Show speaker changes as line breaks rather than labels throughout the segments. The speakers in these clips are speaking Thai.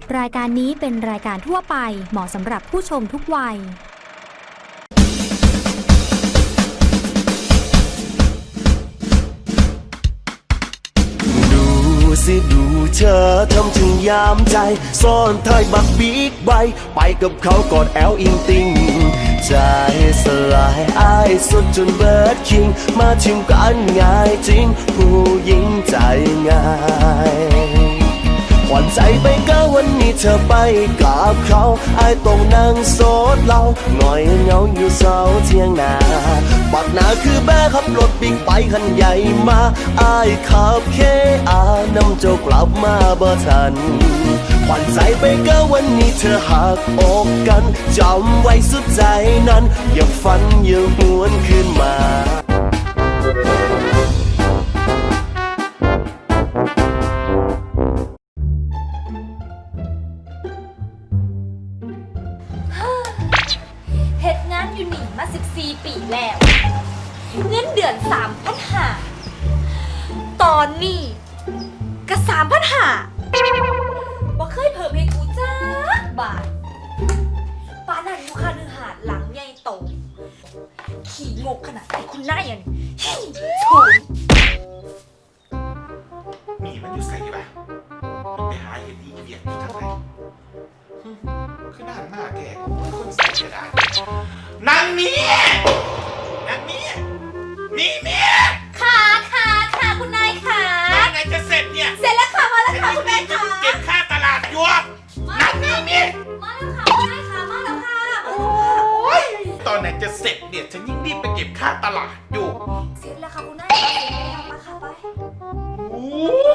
รายการนี้เป็นรายการทั่วไปเหมาะสำหรับผู้ชมทุกวัย
ดูเธอทำถึงยามใจซ่อนท้ายบักบิ๊กไบค์ไปกับเขากอดแอลอิงติงใจสลายอ้ายสุดจนเบิร์ดคิงมาชิมกันง่ายจริงผู้หญิงใจง่ายหวั่นใจไปก็วันนี้เธอไปกับเขาอ้ายต้องนั่งโซดเหล้าหน่อยเหงาอยู่เสาเที่ยงนาปักหนาคือแม่ขับรถบิ๊กไบค์คันใหญ่มาอ้ายขับเคอานำเจ้ากลับมาบ่ทันหวั่นใจไปก็วันนี้เธอหักอกกันจำไว้สุดใจนั้นอย่าฝันอย่าหวนขึ้นมา
เฮ็ดงานอยู่นี่มา14 ปีแล้ว เงินเดือน3,500ตอนนี้ก็3,500บ่เคยเพิ่มให้กูจ้าบาทป้านั่นอยู่ค่าเนื้อหาดหลังใหญ่โตขี่งกขนาดไหนคุณนายอ่ะนี่โฉน
มีมันอยู่ใส่ปะมันไปหาเห็ดอีเวียกอยู่ทางไหนคือด้านหน้าแกคนใส่กระดาษนางเมียนางเมียนี่เมีย
ค่ะคุณนายค่ะ
ไหนจะเสร็จเนี่ย
เสร็จแล้วค่ะมาแล้วค่ะคุณนายค่ะ
เก็บค่าตลาดยวงนั่งนี่เมีย
มาแล้วค่ะคุณนายค่ะมาแล้วค่ะ
โอ้ยตอนไหนจะเสร็จเนี่ยฉันยิ่งรีบไปเก็บค่าตลาดอยู่
เสร็จแล้วค่ะคุณนายค่ะเสร็จแล้วมาค่ะไป
โอ้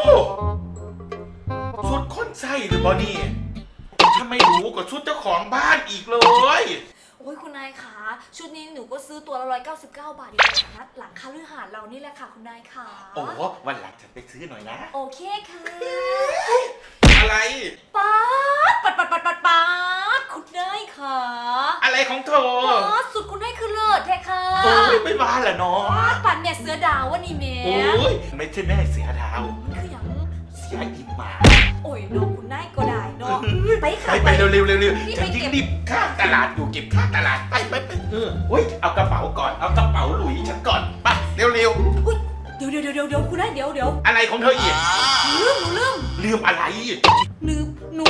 ชุดคนใส่หรือเปล่านี่ถ้าไม่รู้ก็ชุดเจ้าของบ้านอีกเลย
โอ้ยคุณนายคะชุดนี้หนูก็ซื้อตัวละ199 บาทอยู่ตลาดนัดหลังคาฤหาสน์เรานี่แหละค่ะคุณนายค่ะ
โอ้วันหลังฉันไปซื้อหน่อยนะ
โอเคค่ะ
อะไร
ป๊าดคุณนายค่ะ
อะไรของเธอ
ป๊าดสุดคุณนายคือเลิศแท้ค่ะ
โอ้ยไม่บ้าแหละเนาะ
ป๊าดปั่นแม่เสือดาววะนี่แม่
โอ้ยไม่ใช่แม่เสียดาว
คืออย่าง
เสียอิมมา
โอ้ยน้องคุณนายก็ได้เนาะไปค่ะ
ไปเร็วเร็ว
นี่
ฉัน
ไป
ยิ่ง
เก็บ
รีบข้ามตลาดอยู่เก็บค่าตลาดไปโอ้ยเอากระเป๋าก่อนเอากระเป๋าหลุยฉันก่อนไปเร็ว
อุ๊ยเดี๋ยวคุณนายเดี๋ยว
อะไรของเธออีก
หนูลืม
อะไร
หนู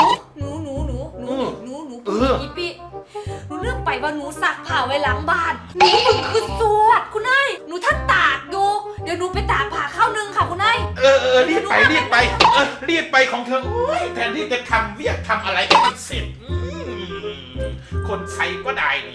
อีปีหนูเลือกไปว่าหนูซักผ้าไว้หลังบ้านหนูมึงคือสวดคุณนายหนูท่านตากอยู่เดี๋ยวหนูไปตากผ้าข้าวนึงค่ะคุณนาย
รีบไปรีบไปของเธอโอ้ยแทนที่จะทำเวียกทำอะไรให้มันเสร็จคนใช้ก็ได้นี่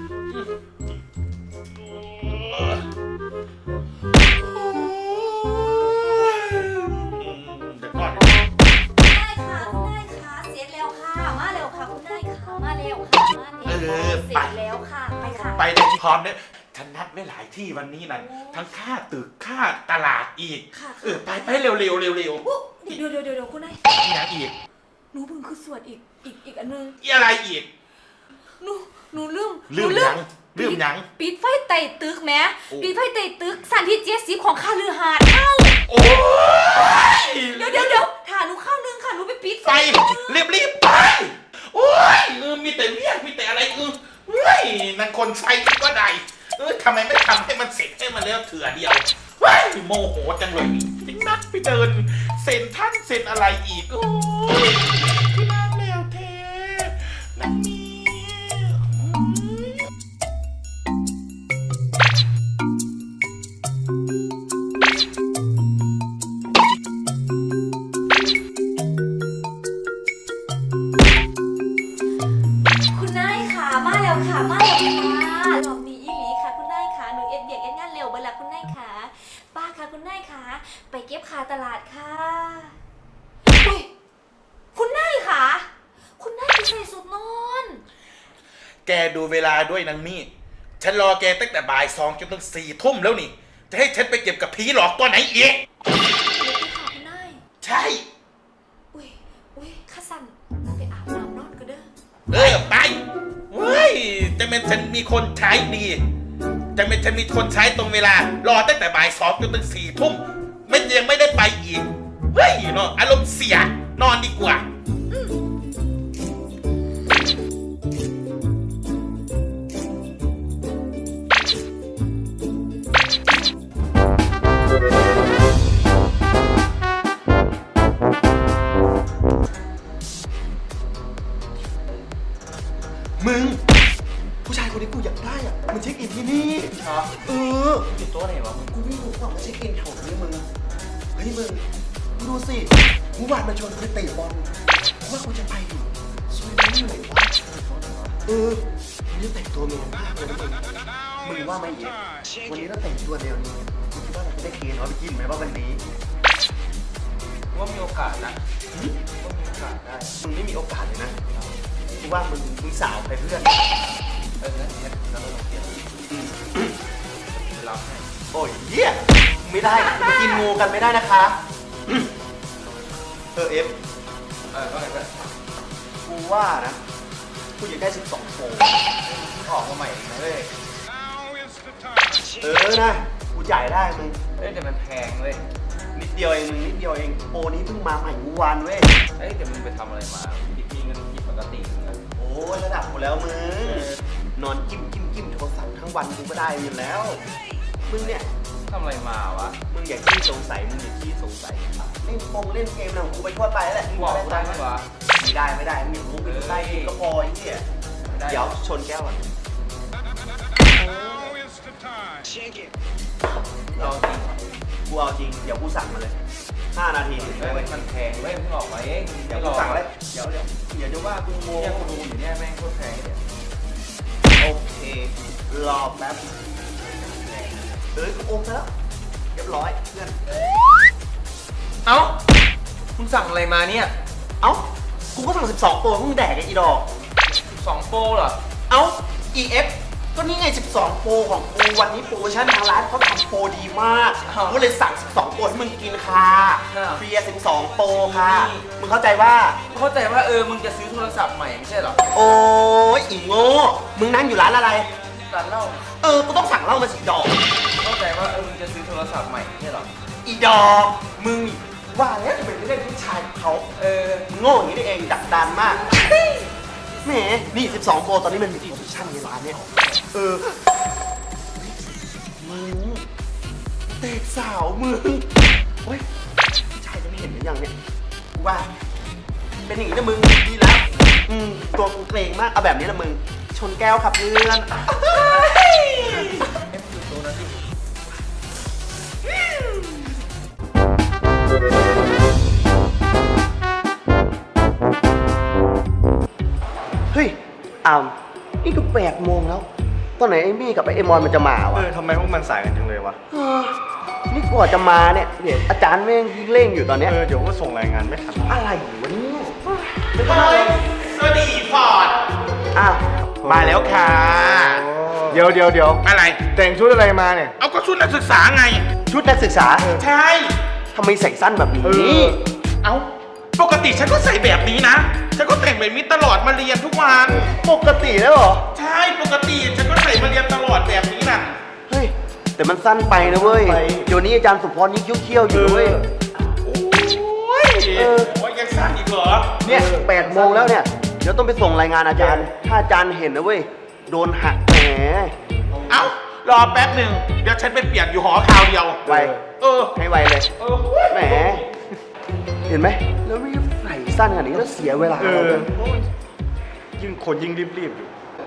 เดี๋ยวก่อน
คุณนายค่ะเสร็จแล้วค่ะมาเร็วค่ะคุณนายค่ะมาเร็วค่ะเสร็จแล้วค่ะไปค่ะ
ไปได้พร้อมเนี่ยฉันนัดไว้หลายที่วันนี้นั่นทั้งค่าตึกค่าตลาดอีกไปเร็วเดี๋ยว
คุณนาย
อย่างอีก
หนูเพิ่งคือสวดอีกอันนึง
อะไรอีก
หนูลืม
ลืมยัง
ปิดไฟไต่ตึกแม่ปิดไฟไต่ตึกสันที่70ของคาลือหาดเข้า
โอ้ย
เดี๋ยวถ่าหนูเข้านึงค่ะหนูไปปิดไฟ
รีบไปโอ้ยมีแต่เรียกมีแต่อะไรเฮ้ยนั่นคนใช้ก็ได้ทำไมไม่ทำให้มันเสร็จให้มันแล้วเถื่อเดียวเฮ้ยโมโหจังเลยนี่นัดไปเดินเซ็นท่านเซ็นอะไรอีกโอ้ยที่น่าแมวเทนั่นนี่
คุณนายค่ะมาแล้วค่ะรอบนี้อีหลีค่ะคุณนายค่ะหนูเอ็ดเบียกเอ็ดงานเร็วเบล่ะคุณนายค่ะป้าค่ะคุณนายค่ะไปเก็บค่าตลาดค่ะอุ๊ยคุณนายค่ะคุณนายไปใส่สุดนอน
แกดูเวลาด้วยนางมี่ฉันรอแกตั้งแต่บ่าย2จนถึง4 ทุ่มแล้วนี่จะให้ฉันไปเก็บกับผีหลอกตัวไหนอีก
เดี๋ยวไปค่ะคุณนาย
ใช่
อุ้ยข้าสั่นไปอาบน้ำนอนก็เด้อ
ไปเฮ้ยจะเป็นฉันมีคนใช้ดีจะเป็นฉันมีคนใช้ตรงเวลารอตั้งแต่บ่าย2จนถึง4 ทุ่มยังไม่ได้ไปอีกเฮ้ยเนาะอารมณ์เสียนอนดีกว่า
ไ
ฮ้ยมึงดูสิกูวานมาชวนกูเตะบอลว่ากูจะไปดิสวยไม่เหนื่อยวะวันนี้แต่งตัวเมียมากเลยนะมึงว่าไหมเอ๋วันนี้เราแต่งตัวแนวนี้มึงคิดว่าเราจะได้เกณฑ์น้อยไปกินไหมว่าวันนี้
ว่ามีโอกาสนะว่ามีโอกาสได้
มึงไม่มีโอกาสเลยนะกูว่ามึงสาวไปเพื่อน
งั้นเราลองเปลี่ยนไปรับให้
โอ้ยเหี้ยไม่ได้ไปกินงูกันไม่ได้นะคะเอฟ
ว่าไงเพื่อน
กูว่านะกูอยากได้12โฟม
ออกมาใหม่อีกนะเว้ย
นะกูจ่ายได้มึง
แต่มันแพงเว้ย
นิดเดียวเองมึงนิดเดียวเองโปรนี้เพิ่งมาใหม่เมื่อวานเว้ย
แต่มึงไปทำอะไรมามีเงินผิดปกตินะ
โอ้ยระดับกูแล้วมึงนอนจิ้มโทรศัพท์ทั้งวันกูก็ได้อยู่แล้วมึงเนี่ย
ทำอะไรมาวะ
มึงอย่าขี้สงสัยมึงอย่าขี้สงสัยเล่นเล่นเกมนะของกูไปทั่วไปแล้วแหละ
มึงบอกกูได้ไหมวะ
ไม่ได้มึงอย่ารู้ไปได้กินก็พอไอ้เหี้ย
ไม่ได้
เดี๋ยวชนแก้วก่อน
เราจริง
กูเอาจริงเดี๋ยวกูสั่งมาเลย5 นาทีถึง
เว้
ได้
ย
เว้ย
มันแพงเว้ยมึงออกมาเอง
เดี๋ยวกูสั่งเลยเดี๋ยวจะว่ากูโม
เนี่ยกูดูอยู่เนี่ยแม่งโคตรแพงเนี่ย
โอเครอแป๊บกูโอนแล้วเรียบร้อยเพื่อน
เอ้ามึงสั่งอะไรมาเนี่ย
เอ้ากูก็สั่ง12ตัวมึงแดกไอ้อีดอก
2โปรเหรอ
เอ้า EF ก็นี่ไง12โปรของกูวันนี้โปรโมชั่นทางร้านเขาทำโปรดีมากกูเลยสั่ง12โปรให้มึงกินค่ะเฟียร์12โปรค่ะมึงเข้าใจว่า
เข้าใจว่ามึงจะซื้อโทรศัพท์ใหม่ไม่ใช่เหรอ
โอ้ยอีโง่มึงนั่งอยู่ร้านอะไร
ร้านเหล้า
กูต้องสั่งเหล้ามาสิดอก
เข้าใจว่ามึงจะซื้อโทรศัพท์ใหม่ไม่ใช่เหรอ
อีดอกมึงนี่ว่าแล้วจะเป็นเรื่องผู้ชายของเขามึงโง่อย่างนี้นี่เองดักดานมากแหมนี่12โปรตอนนี้มันมีโปรโมชั่นในร้านเนี่ยมึงเตะสาวมึงเฮ้ยผู้ชายจะไม่เห็นหรือยังเนี่ยกูว่าเป็นอย่างนี้นะมึงดีแล้วตัวกูเกรงมากเอาแบบนี้ละมึงชนแก้วครับเพื่อน เฮ้ยนี่ก็8 โมงแล้ว ตอนไหนไอ้มี่กับไอ้มอนมันจะมาวะ
ทำไมพวกมันสายกันจังเลยวะ
นี่กว่าจะมาเนี่ยอาจารย์แม่งยิ่งเร่งอยู่ตอนเนี้ย
เดี๋ยวก็ส่งรายงานไม่ทัน
อะไรวะเนี่ย
สวัสดีฟอร์ด
อ้าว
มาแล้วค่ะ
เดี๋ยว
อะไร
แต่งชุดอะไรมาเนี่ย
เอาก็ชุดนักศึกษาไง
ชุดนักศึกษา
ใช่
ทำไมใส่สั้นแบบนี้
เอาปกติฉันก็ใส่แบบนี้นะ ฉันก็แต่งแบบนี้ตลอดมาเรียนทุกวัน
ปกติแล้วเหรอ
ใช่ปกติฉันก็ใส่มาเรียนตลอดแบบนี้น่ะ
เฮ้ย แต่มันสั้นไปนะเว้ย เดี๋ยวนี้อาจารย์สุพรยิ่งยุ่งเขี้ยวอยู่นะเว้ย
โอ้ยโอ้ยยังสั้นอีกเหรอ
เนี่ย8 โมงแล้วเนี่ย เดี๋ยวต้องไปส่งรายงานอาจารย์ ถ้าอาจารย์เห็นนะเว้ย โดนหักแหม
เอ้ารอแป๊บหนึ่งเดี๋ยวฉันไปเปลี่ยนอยู่หอคราวเดียว
ไว ให้ไวเลย แหม เห็นไหม แล้วรีบใส่สั้นขนาดนี้แล้วเสียเวลาเราเลย
ยิ่งคนยิ่งรีบๆอยู่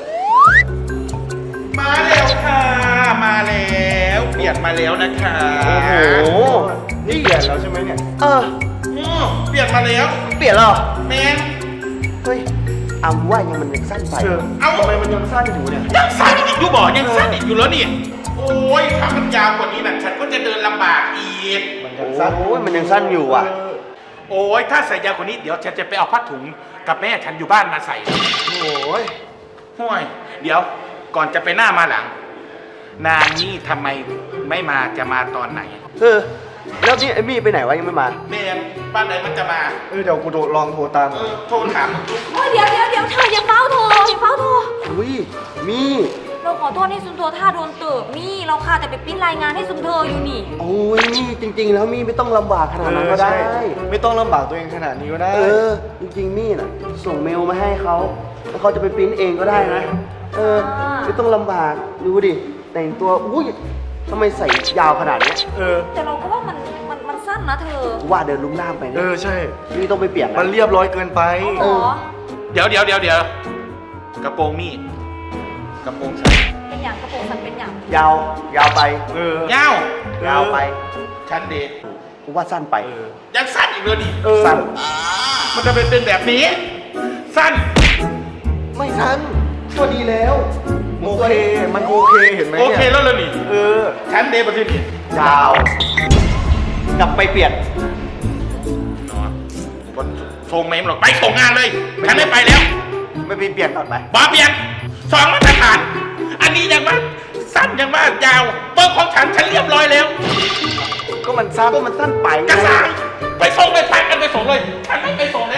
มาแล้วค่ะ มาแล้วเปลี่ยนมาแล้วนะคะ
โอ้โห
นี่เปลี่ยนแล้วใช่ไหมเนี่ย
เปลี่ยนมาแล้ว
เปลี่ยนแล้วเหรอ
แมน
เฮ้ยว่ามันยังสั้นไป
เอา
ทำไมมันยังสั้นอยู่เนี่ย
ยังสั้นอีกอยู่บ่ยังสั้นอีกอยู่แล้วนี่ โอ้ยถ้ามันยาวกว่านี้นะฉันก็จะเดินลำบากอีก
มันยังสั้น
โอ้ยมันยังสั้นอยู่ว่ะ
โอ้ยถ้าใส่ยาวกว่านี้เดี๋ยวฉันจะไปเอาผ้าถุงกับแม่ฉันอยู่บ้านมาใส่
โอ้ย
ห่วย เดี๋ยวก่อนจะไปหน้ามาหลัง นางนี่ทำไมไม่มาจะมาตอนไหน
แล้วนี่ไอ้มี่ไปไหนวะยังไม่มา
แมนบ้านไหนมันจะมา
เดี๋ยวกูลองโทรตาม
โทรถาม
โอ้ยเดี๋ยวเธออย่าเฝ้าโทรอย่าเฝ้าโทร
อุ้ยมี่
เราขอโทษให้ซุนโทท่าโดนเติบนี่เราค่ะแต่ไปปริ้นรายงานให้ซุนเธออยู่นี่
โอ้ยมี่จริง ๆ แล้วมี่ไม่ต้องลำบากขนาดนั้นก็ได้
ไม่ต้องลำบากตัวเองขนาดนี้ก็ได้
จริงๆมี่น่ะส่งเมลมาให้เขาแล้วเขาจะไปปริ้นเองก็ได้นะ ไม่ต้องลำบากดูดิแต่งตัวอุ้ยทำไมใส่ยาวขนาดเนี้ย
แต่เราก็ว่ามันสั้นนะเธอ
ว่าเดินลุ่มล่ามไปนะ
ใช่
มี่ต้องไปเปลี่ยน
มันเรียบร้อยเกินไป
หรอ
เดี๋ยวกระโปรงมี่กระโปรงฉัน
เป็นอย่างกระโปรงสันเป็นอย่าง
ยาวไป
ยาว
ยาวไป
ฉันเด็ก
กูว่าสั้นไป
ยังสั้นอีกเลยดิ
สั้น
มันจะเป็นแบบนี้ สั้น
ไม่ทันก็ดีแล้ว โอเค มันโอเคเห็นไหม
โอ
เนี่ย
เคแล้วเลยนี่
เออ
ชั้นเดย์ประสิทธิ์นี่
ยาว กลับไปเปลี่ยน
เนาะบนส่งเมมหรอกไปส่งงานเลยฉันไม่ไปแล้ว
ไม่ไปเปลี่ยนก่อนไหม
บาเปลี่ยนสองมาตรฐาน อันนี้ยังว่าสั้นยังว่ายาวเบอร์ของฉันเรียบร้อยแล้ว
ก็มันสั้นไปไง
กระสังไปส่งเลยไปกันไปส่งเลยฉันไม่ไปส่งแล้ว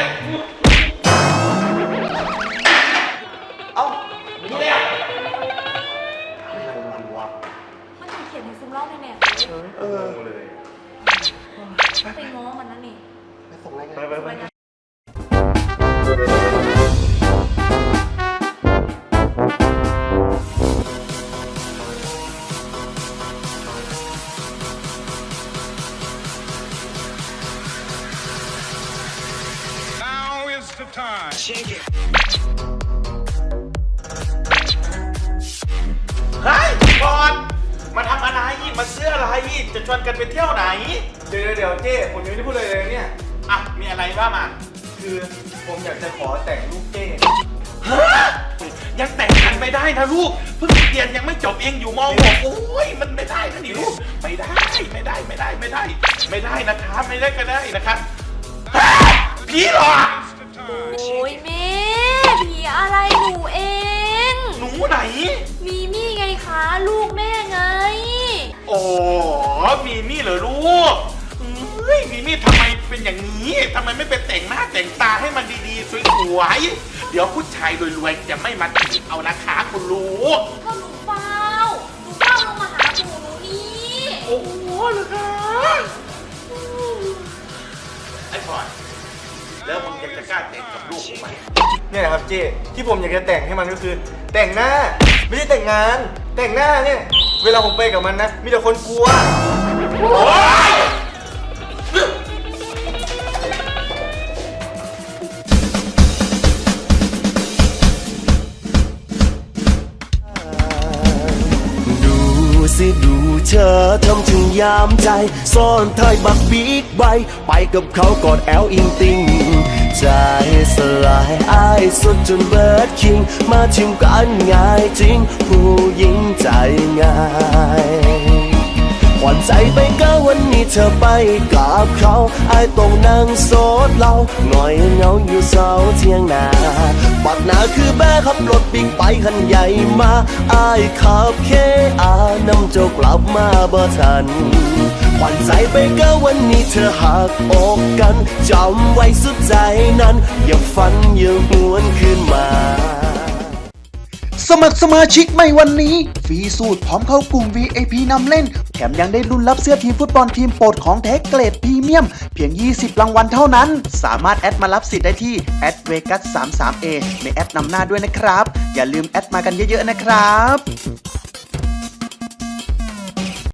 เอ้า
นี่แล้ว
อะไรมันวะ
มันจะเขียนในซึมเล่าในแมพ
เออ
ไปง้อมันนั่นนี่
ไปส่งรายงานไป
เฮ้ยบอลมาทำอะไรมาซื้ออะไรจะชวนกันไปเที่ยวไหน
เดี๋ยวเจ้ผมยังไม่ได้พูดเลยเนี่ย
อ่ะมีอะไรว่ามา
คือผมอยากจะขอแต่งลูกเจ้
ฮะยังแต่งกันไม่ได้นะลูกเพิ่งเรียนยังไม่จบเองอยู่ม .6 โอ้ยมันไม่ได้นะนี่ลูกไม่ได้ไม่ได้นะครับไม่ได้ก็ได้นะครับฮะผีหรอ
โอ้ยแม่ผีอะไรหนูเอง
หนูไหน
มีมี่ไงคะลูกแม่ไง
โอ้มีมี่เหรอลูกเฮ้ยมีมี่ทำไมเป็นอย่างนี้ทำไมไม่ไปแต่งหน้าแต่งตาให้มันดีๆสวยๆเดี๋ยวผู้ชายรวยๆจะไม่มาจีบเอานะคะคุณลูก
ก็หนูเฝ้าลงมาหาหนูนี่
โอ้โหเหรอคะไอ้พลอยแล้วมึงยังจะกล้าแต่งกับลูกกูไหม
เนี่ยนะครับเจ้ที่ผมอยากจะแต่งให้มันก็คือ แต่งหน้า ไม่ใช่แต่งงาน แต่งหน้าเนี่ย เวลาผมไปกับมันนะ มีแต่คนกลัว
โอ๊ย
ดูสิดูเธอทำถึงยามใจ ซ่อนท้ายบักบิ๊กไบค์ไปกับเขากอดแอลอิงติงใจสลายอ้ายสุดจนเบิร์ดคิง มาชิมกันง่ายจริง ผู้หญิงใจง่ายหวั่นใจไปก็วันนี้เธอไปกับเขาไอ้ายต้องนั่งโซดเหล้าหน่อยเหงาอยู่เสาเที่ยงนาปักหนาคือแม่ขับรถบิ๊กไปคันใหญ่มาไอ้ายขับเคอานำเจ้ากลับมาบ่ทันหวั่นใจไปก็วันนี้เธอหักอกกันจำไว้สุดใจนั้น อย่าฝันอย่าหวนคืนมา
สมัครสมาชิกใหม่วันนี้ฟรีสูตรพร้อมเข้ากลุ่ม VIP นำเล่น แถมยังได้ลุ้นรับเสื้อทีมฟุตบอลทีมโปรดของแท้เกรดพรีเมียม เพียง 20 รางวัลเท่านั้น สามารถแอดมารับสิทธิ์ได้ที่ @vegas33a ในแอปนำหน้าด้วยนะครับ อย่าลืมแอดมากันเยอะๆนะครับ